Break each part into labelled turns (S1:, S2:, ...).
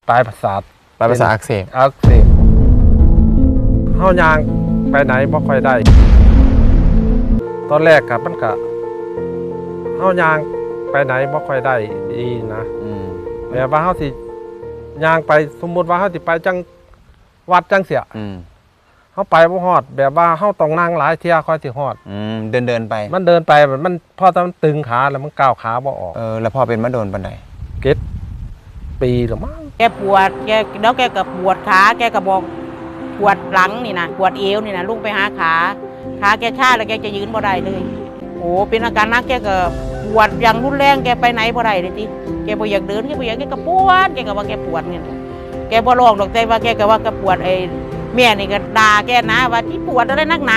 S1: ปลายประสาท
S2: อักเสบ
S1: เฮายางไปไหนบ่ค่อยได้ตอนแรกกับมันก็เฮายางไปไหนบ่ค่อยได้ดีนะแบบว่าเฮาสิยางไปสมมุติว่าเฮาสิไปจังวัดจังเสียเฮาไปบ่ฮอดแบบว่าเฮาต้องนั่งหลายเที่ยค่อยสิฮอด
S2: เดินไป
S1: มันเดินไปมันพอมันตึงขาแล้วมันก้าวขาบ่ออก
S2: แล้วพอเป็นมาโดนปานใด
S1: ปีหรือมั้ง
S3: แกปวดแล้วแกก็ปวดขาแกก็บอกปวดหลังนี่นะปวดเอวนี่นะลุกไปหาขาแกชาแล้วแกจะยืนบ่ได้เลยโอ้เป็นอาการนักแกก็ปวดอย่างรุนแรงแกไปไหนบ่ได้เลยทีแกบ่อยากเดินแกบ่อยากแกก็ปวดแกก็ว่าแกปวดเนี่ยแกบ่ร้องดอกแต่ว่าแกก็ว่าแกปวดแม่นี่ก็ด่าแกนะว่าที่ปวดอะไรนักหนา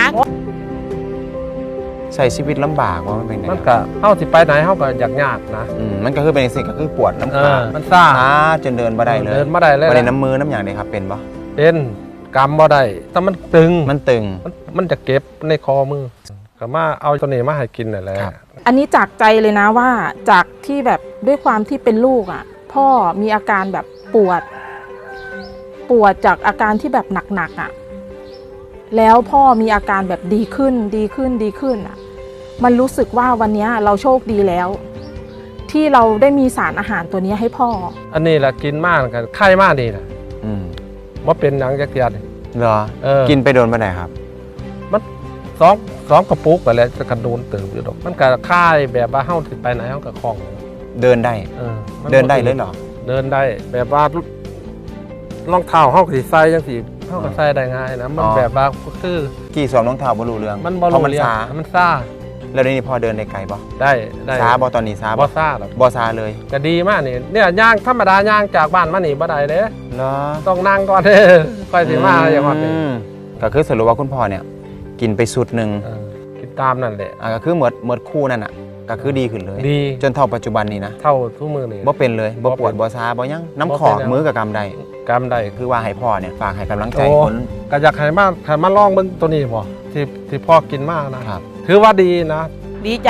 S2: ใช้ชีวิตลำบากว่ามันเป็นไง
S1: มันก็เฮาสิไปไหนเฮาก็ยากนะ
S2: มันก็คือเป็นสิ่งก็คือปวดน้ำขา
S1: มันซ่า
S2: จนเดินบ่ได้เลย
S1: เดินบ่ได้เลย
S2: บ่ได้น้ำมือน้ำอย่างนี้ครับเป็นบ่
S1: เป็นกำบ่ได้แต่มันตึงมันจะเก็บในคอมือก็มาเอาตัวนี้มาให้กินนั่นแหละ
S4: อันนี้จากใจเลยนะว่าจากที่แบบด้วยความที่เป็นลูกอ่ะพ่อมีอาการแบบปวดจากอาการที่แบบหนักๆอ่ะแล้วพ่อมีอาการแบบดีขึ้นอ่ะมันรู้สึกว่าวันนี้เราโชคดีแล้วที่เราได้มีสารอาหารตัวนี้ให้พ่อ
S1: อันนี้แหละกินมากกันไข้มากดีนะว่าเป็นหนังจักรยาน
S2: เหรอกินไปโดนมาไหนครับ
S1: มันสองกระปุกอะไรจะกระโดนตื่นอยู่ดอกมันก็ค่ายแบบว่าเฮ้าไปไหนเฮ้ากับคล่อง
S2: เดินได้เดินได้เลยเหรอ
S1: เดินได้แบบว่ารองเท้าเฮ้าสีใส่ยังสีเฮ้าก็ใส่ได้ง่ายนะมันแบบว่าคือ
S2: กี่สวมรองเท้าบรรลุเรื่อง
S1: มันบรรลุเรื่องมันซ่า
S2: แล้วนี่พอเดินได้ไกลบ่
S1: ได้
S2: ซาบ่ตอนนี้ซา
S1: บ่ซ่าหรอก
S2: บ่ซาเลย
S1: ก็ดีมากนี่เนี่ยย่างธรรมดาย่างจากบ้านมานี่บ่ได้เด้
S2: เหรอ
S1: ต้องนั่งก่อนค่อยสิมาอย่างว่าเป็น
S2: ก็คือสรุปว่าคุณพ่อเนี่ยกินไปสุดหนึ่ง
S1: กินตามนั่นแหละ
S2: ก็คือเหมือนคู่นั่นอ่ะก็คือดีขึ้นเลย
S1: ดี
S2: จนเท่าปัจจุบันนี้นะ
S1: เท่าทุกมือนี่
S2: บ่เป็นเลยบ่ปวดบ่ซาบ่ยังน้ำขอมือกับกำได้คือว่าให้พ่อเนี่ยฝากให้กำลังใจคน
S1: ก็อยากให้มาลองเบิ่งตัวนี้บ่ที่พ่อกินมากนะครับถือว่าดีนะ
S3: ดีใจ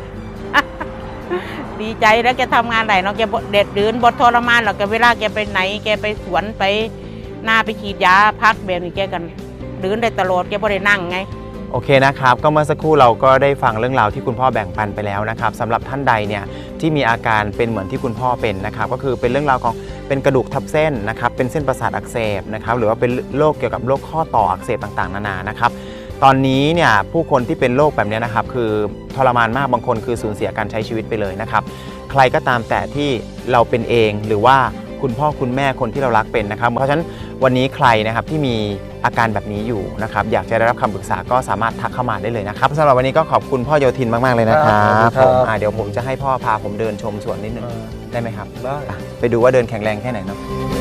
S3: ดีใจแล้วแกทำงานไหนเนาะแกเด็ดดืนบดทรมานหรอกแกเวลาแกไปไหนแกไปสวนไปหน้าไปฉีดยาพักแบบนี้แกกันดืนได้ตลอดแกบ่ได้นั่งไง
S2: โอเคนะครับก็เมื่อสักครู่เราก็ได้ฟังเรื่องราวที่คุณพ่อแบ่งปันไปแล้วนะครับสำหรับท่านใดเนี่ยที่มีอาการเป็นเหมือนที่คุณพ่อเป็นนะครับก็คือเป็นเรื่องราวของเป็นกระดูกทับเส้นนะครับเป็นเส้นประสาทอักเสบนะครับหรือว่าเป็นโรคเกี่ยวกับโรคข้อต่ออักเสบต่างๆนานานะครับตอนนี้เนี่ยผู้คนที่เป็นโรคแบบนี้นะครับคือทรมานมากบางคนคือสูญเสียการใช้ชีวิตไปเลยนะครับใครก็ตามแต่ที่เราเป็นเองหรือว่าคุณพ่อคุณแม่คนที่เรารักเป็นนะครับเพราะฉะนั้นวันนี้ใครนะครับที่มีอาการแบบนี้อยู่นะครับอยากจะได้รับคำปรึกษาก็สามารถทักเข้ามาได้เลยนะครับสำหรับวันนี้ก็ขอบคุณพ่อโยธินมากๆเลยนะครับผมเดี๋ยวผมจะให้พ่อพาผมเดินชมสวนนิดนึงได้ไหมครับได้ไปดูว่าเดินแข็งแรงแค่ไหนเนาะ